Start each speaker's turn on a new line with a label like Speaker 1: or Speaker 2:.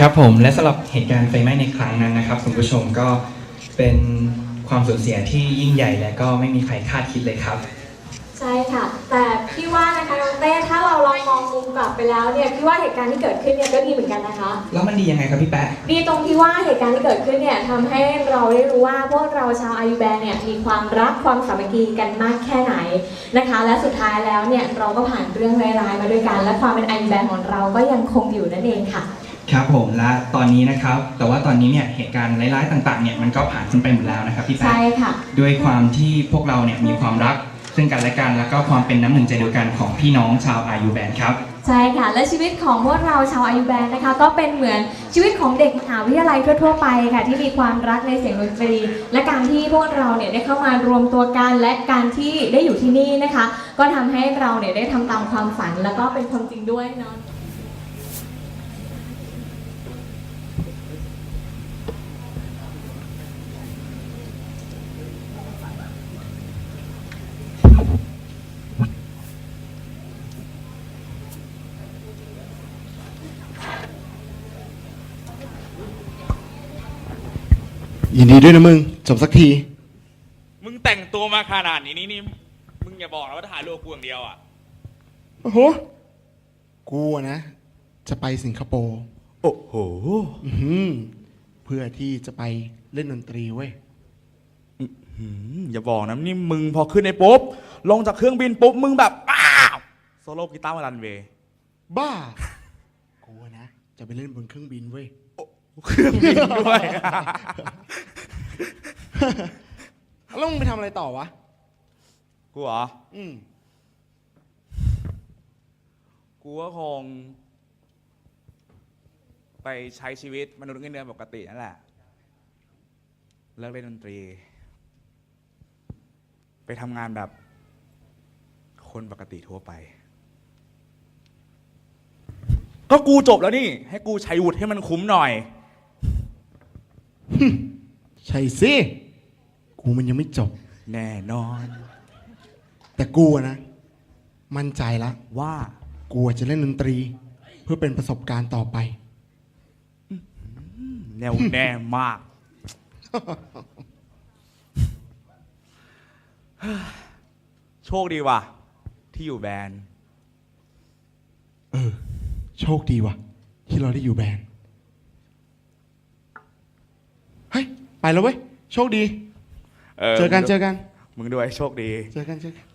Speaker 1: ครับผมและสำหรับเหตุการณ์ไฟไหม้ในครั้งนั้นนะครับคุณผู้ชมก็เป็นความสูญเสียที่ยิ่งใหญ่และก็ไม่มีใครคาดคิดเลยครับ
Speaker 2: ใช่ค่ะแต่พี่ว่านะคะน้องเต้ถ้าเราลองมองมุมกลับไปแล้วเนี่ยพี่ว่าเหตุการณ์ที่เกิดขึ้นเนี่ยก็ดีเหมือนกันนะคะ
Speaker 1: แล้วมันดียังไงครับพี่แป๊ะ
Speaker 2: ดีตรงที่ว่าเหตุการณ์ที่เกิดขึ้นเนี่ยทำให้เราได้รู้ว่าพวกเราชาวอายุแบนเนี่ยมีความรักความสามัคคีกันมากแค่ไหนนะคะและสุดท้ายแล้วเนี่ยเราก็ผ่านเรื่องร้ายๆมาด้วยกันและความเป็นอายุแบนของเราก็ยังคงอยู่นั่นเองค่ะ
Speaker 1: ครับผมและตอนนี้นะครับแต่ว่าตอนนี้เนี่ยเหตุการณ์ร้ายๆต่างๆเนี่ยมันก็ผ่านพ้นไปหมดแล้วนะครับพี่แป๊ะ
Speaker 2: ใช่ค่ะ
Speaker 1: ด้วยความที่พวกเราเนี่ยมีความรักซึ่งกันและกันแล้วก็ความเป็นน้ำหนึ่งใจเดียวกันของพี่น้องชาวอายุแบนครับ
Speaker 2: ใช่ค่ะและชีวิตของพวกเราชาวอายุแบนนะคะก็เป็นเหมือนชีวิตของเด็กมหาวิทยาลัยทั่วๆไปค่ะที่มีความรักในเสียงดนตรีและการที่พวกเราเนี่ยได้เข้ามารวมตัวกันและการที่ได้อยู่ที่นี่นะคะก็ทำให้เราเนี่ยได้ทำตามความฝันแล้วก็เป็นความจริงด้วยเนาะ
Speaker 3: ยินดีด้วยนะมึงจบสักที
Speaker 4: มึงแต่งตัวมาขนาดนี้นี่มึงอย่าบอกนะว่าถ่ายรูปกูอย่างเดียวอ่ะ
Speaker 3: โอ้โหกูนะจะไปสิงคโปร์
Speaker 4: โอ้โห
Speaker 3: เพื่อที่จะไปเล่นดนตรีเว้ย
Speaker 4: อย่าบอกนะนี่มึงพอขึ้นในปุ๊บลงจากเครื่องบินปุ๊บมึงแบบอ้าวโซโล่กีตาร์มารันเวย์
Speaker 3: บ้ากูนะจะไปเล่นบนเครื่องบินเว้ย
Speaker 4: เครื่องบินด้วย
Speaker 3: แล้วมึงไปทำอะไรต่อวะ
Speaker 4: กูเหรอกูก็คงไปใช้ชีวิตมนุษย์เงินเดือนปกตินั่นแหละเลิกเล่นดนตรีไปทำงานแบบคนปกติทั่วไปก็กูจบแล้วนี่ให้กูใช้วุฒิให้มันคุ้มหน่อย
Speaker 3: ใช่สิกูมันยังไม่จบ
Speaker 4: แน่นอน
Speaker 3: แต่กูนะมั่นใจละ
Speaker 4: ว่า
Speaker 3: กูจะเล่นดนตรีเพื่อเป็นประสบการณ์ต่อไป
Speaker 4: แน่วแน่มากโชคดีว่ะที่อยู่แบนด์
Speaker 3: โชคดีว่ะที่เราได้อยู่แบนด์เฮ้ยไปแล้วเว้ยโชคดีเจอกัน
Speaker 4: มึงด้วยโชคดี
Speaker 3: เจอกัน